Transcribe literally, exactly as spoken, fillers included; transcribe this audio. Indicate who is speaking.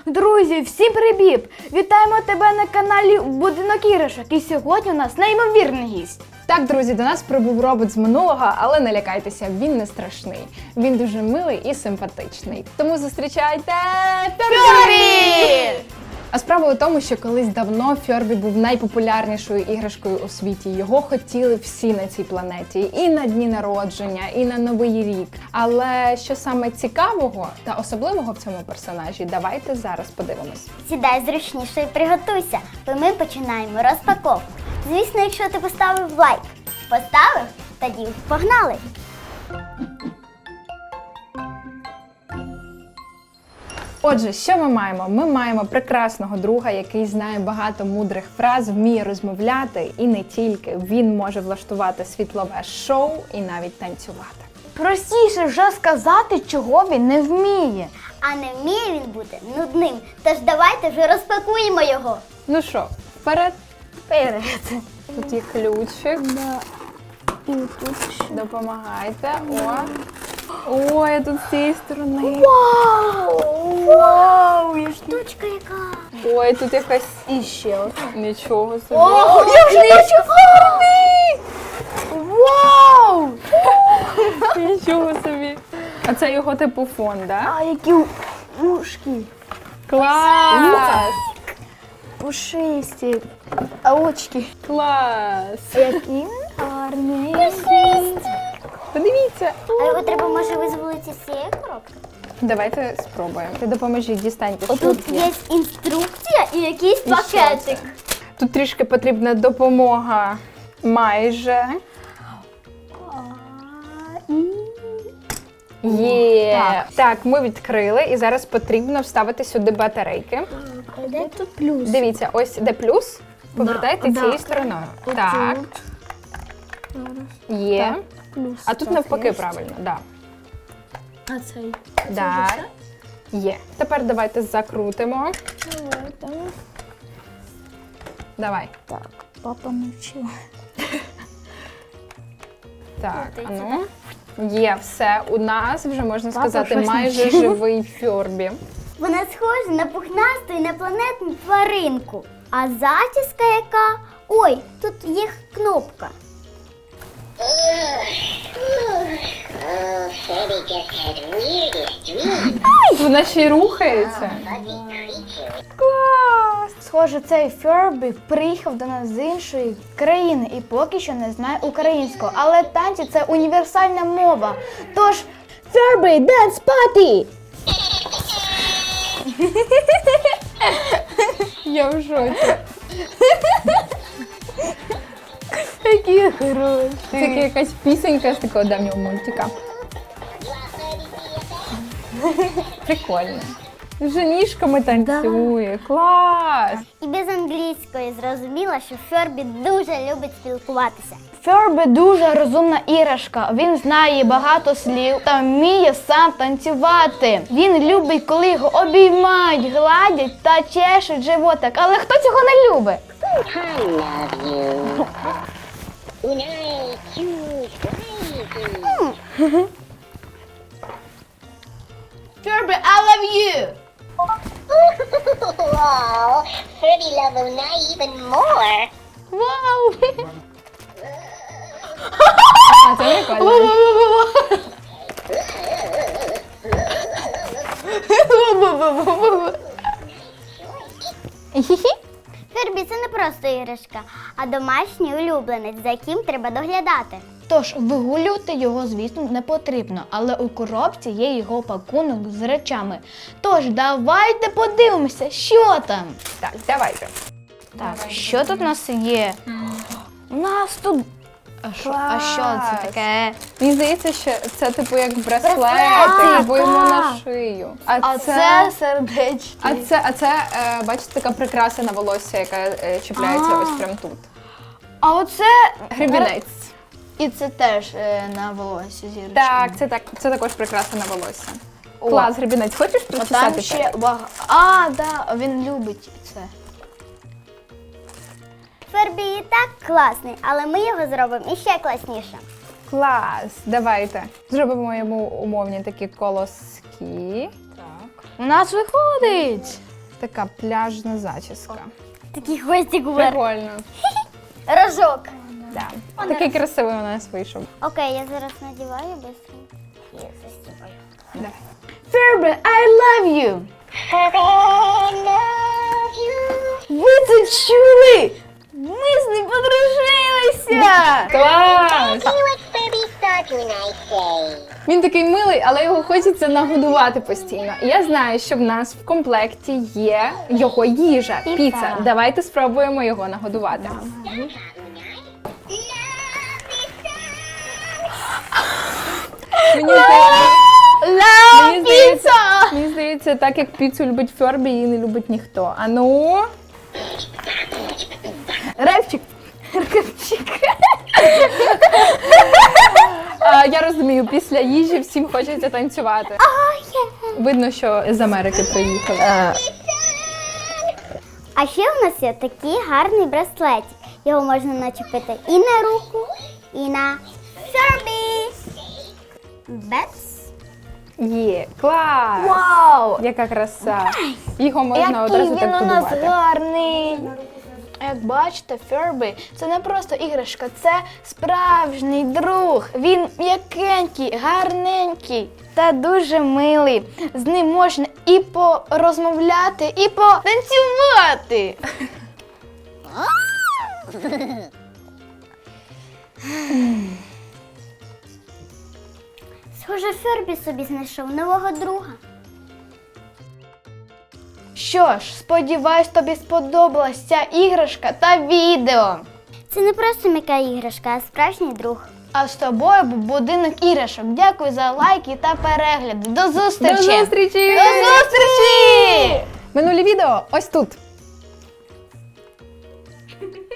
Speaker 1: Друзі, всім привіт! Вітаємо тебе на каналі Будинок іграшок. І сьогодні у нас неймовірний гість.
Speaker 2: Так, друзі, до нас прибув робот з минулого, але не лякайтеся, він не страшний. Він дуже милий і симпатичний. Тому зустрічайте Фьорбі! А справа у тому, що колись давно Фьорбі був найпопулярнішою іграшкою у світі. Його хотіли всі на цій планеті. І на дні народження, і на Новий рік. Але що саме цікавого та особливого в цьому персонажі, давайте зараз подивимось.
Speaker 3: Сідай зручніше і приготуйся, бо ми починаємо розпаковку. Звісно, якщо ти поставив лайк. Поставив? Тоді погнали!
Speaker 2: Отже, що ми маємо? Ми маємо прекрасного друга, який знає багато мудрих фраз, вміє розмовляти і не тільки. Він може влаштувати світлове шоу і навіть танцювати.
Speaker 1: Простіше вже сказати, чого він не вміє.
Speaker 3: А не вміє він бути нудним, тож давайте вже розпакуємо його.
Speaker 2: Ну що, вперед?
Speaker 1: Вперед.
Speaker 2: Тут є ключик.
Speaker 1: Да. І тут ще.
Speaker 2: Допомагайте. О. Ой, а тут з цієї сторони.
Speaker 1: Вау! Вау! Я ж тут.
Speaker 3: Штучка яка!
Speaker 2: Ой, тут якась...
Speaker 1: І ще одна.
Speaker 2: Нічого собі.
Speaker 1: О, як же я Фьорбі! Вау!
Speaker 2: Нічого собі. А це його типу фон, да?
Speaker 1: А які ушки.
Speaker 2: Клас!
Speaker 1: Пушисті. А очки.
Speaker 2: Клас!
Speaker 1: Які гарні.
Speaker 2: Подивіться.
Speaker 3: А його треба, може, визволити з цієї коробки?
Speaker 2: Давайте спробуємо. Ти допоможіть, дістаньте. що
Speaker 3: Тут є інструкція і якийсь
Speaker 2: І що
Speaker 3: пакетик.
Speaker 2: це? Тут трішки потрібна допомога. Майже. Є.
Speaker 1: Так.
Speaker 2: Так, ми відкрили і зараз потрібно вставити сюди батарейки.
Speaker 1: А де тут плюс?
Speaker 2: Дивіться, ось де плюс. Повертайте
Speaker 1: Да,
Speaker 2: цією
Speaker 1: да.
Speaker 2: стороною.
Speaker 1: Отут.
Speaker 2: Так, є.
Speaker 1: Так, плюс.
Speaker 2: А тут
Speaker 1: Так,
Speaker 2: навпаки
Speaker 1: є.
Speaker 2: правильно, да.
Speaker 1: А цей?
Speaker 2: Да. Є. Тепер давайте закрутимо.
Speaker 1: Давайте.
Speaker 2: Давай.
Speaker 1: Так, папа навчила.
Speaker 2: Так,
Speaker 3: Крутиться,
Speaker 2: а ну. Є все. У нас вже, можна
Speaker 1: Папа
Speaker 2: сказати,
Speaker 1: щось
Speaker 2: майже
Speaker 1: навчив.
Speaker 2: живий Фьорбі.
Speaker 3: Вона схожа на пухнасту інопланетну тваринку. А зачіска яка? Ой, тут є кнопка.
Speaker 4: Freddy just had weirdest dreams.
Speaker 2: Вона ще й рухається.
Speaker 4: Fuzzy creature.
Speaker 2: Клас!
Speaker 1: Схоже, цей Фьорбі приїхав до нас з іншої країни і поки що не знає українського. Але танці – це універсальна мова. Тож, Фьорбі, dance party!
Speaker 2: Я в шоці.
Speaker 1: Які хороші.
Speaker 2: Це якась пісенька з такого давнього мультика. Прикольно. Вже ніжками танцює. Клас!
Speaker 3: І без англійської зрозуміла, що Фьорбі дуже любить спілкуватися.
Speaker 1: Фьорбі дуже розумна іграшка. Він знає багато слів та вміє сам танцювати. Він любить, коли його обіймають, гладять та чешуть животик. Але хто цього не любить?
Speaker 4: I love you. Unite, choose wisely.
Speaker 1: Фьорбі, I love you!
Speaker 4: Oh, Freddy love Unite even more.
Speaker 1: Вау!
Speaker 2: А, це прикольно.
Speaker 3: Фьорбі – це не просто іграшка, а домашній улюбленець, за яким треба доглядати.
Speaker 1: Тож вигулювати його, звісно, не потрібно, але у коробці є його пакунок з речами. Тож давайте подивимося, що там.
Speaker 2: Так, давайте.
Speaker 1: Так, що тут у нас є? У нас тут. А що, а що це таке?
Speaker 2: Мені здається, що це типу як браслет,
Speaker 1: Браслет,
Speaker 2: або йому
Speaker 1: так.
Speaker 2: на шию.
Speaker 1: А це сердечки.
Speaker 2: А це, а це е, бачите, така прикраса на волосся, яка е, чіпляється
Speaker 1: А.
Speaker 2: ось прямо тут.
Speaker 1: А оце
Speaker 2: Гребінець.
Speaker 1: І це теж е, на волосі зірочки.
Speaker 2: Так, це так, це також прикраса на волосся. Клас, гребінець. Хочеш
Speaker 1: А
Speaker 2: причесати?
Speaker 1: там ще багато. А, да, він любить це.
Speaker 3: Фьорбі і так класний, але ми його зробимо іще класніше.
Speaker 2: Клас, давайте. Зробимо йому умовні такі колоски. Так.
Speaker 1: У нас виходить!
Speaker 2: Така пляжна зачіска.
Speaker 3: Такий хвостик вверх.
Speaker 2: Прикольно.
Speaker 3: Рожок.
Speaker 2: Да. Такий красивий у нас вийшов.
Speaker 3: Окей, я зараз надіваю быстренько. Я застібаю.
Speaker 2: Да.
Speaker 1: Фербі, I love you!
Speaker 4: Furby, I love you.
Speaker 1: Ви це чули? Ми з ним подружилися!
Speaker 2: Клас!
Speaker 4: See what Furbies thought when I say.
Speaker 2: Він такий милий, але його хочеться нагодувати постійно. І я знаю, що в нас в комплекті є його їжа,
Speaker 1: Піца.
Speaker 2: піца. Давайте спробуємо його нагодувати. Мені здається,
Speaker 1: Love
Speaker 2: Мені здається,
Speaker 1: pizza!
Speaker 2: мені здається, так як піцу любить Фербі, її не любить ніхто. А ну,
Speaker 1: Репчик. Репчик.
Speaker 2: а, я розумію, після їжі всім хочеться танцювати. Видно, що з Америки приїхали.
Speaker 3: А ще у нас є такий гарний браслетик. Його можна начепити і на руку, і на Фербі. Бец.
Speaker 2: Є, клас!
Speaker 1: Вау!
Speaker 2: Яка краса! Його можна
Speaker 1: Який
Speaker 2: одразу
Speaker 1: він
Speaker 2: так
Speaker 1: у нас
Speaker 2: подувати.
Speaker 1: гарний. Як бачите, Фербі – це не просто іграшка, це справжній друг. Він м'якенький, гарненький та дуже милий. З ним можна і порозмовляти, і потанцювати.
Speaker 3: Схоже, Фербі собі знайшов нового друга.
Speaker 1: Що ж, сподіваюсь, тобі сподобалась ця іграшка та відео.
Speaker 3: Це не просто м'яка іграшка, а справжній друг.
Speaker 1: А з тобою був будинок іграшок. Дякую за лайки та перегляди. До зустрічі!
Speaker 2: До зустрічі!
Speaker 1: До зустрічі!
Speaker 2: Минулі відео ось тут.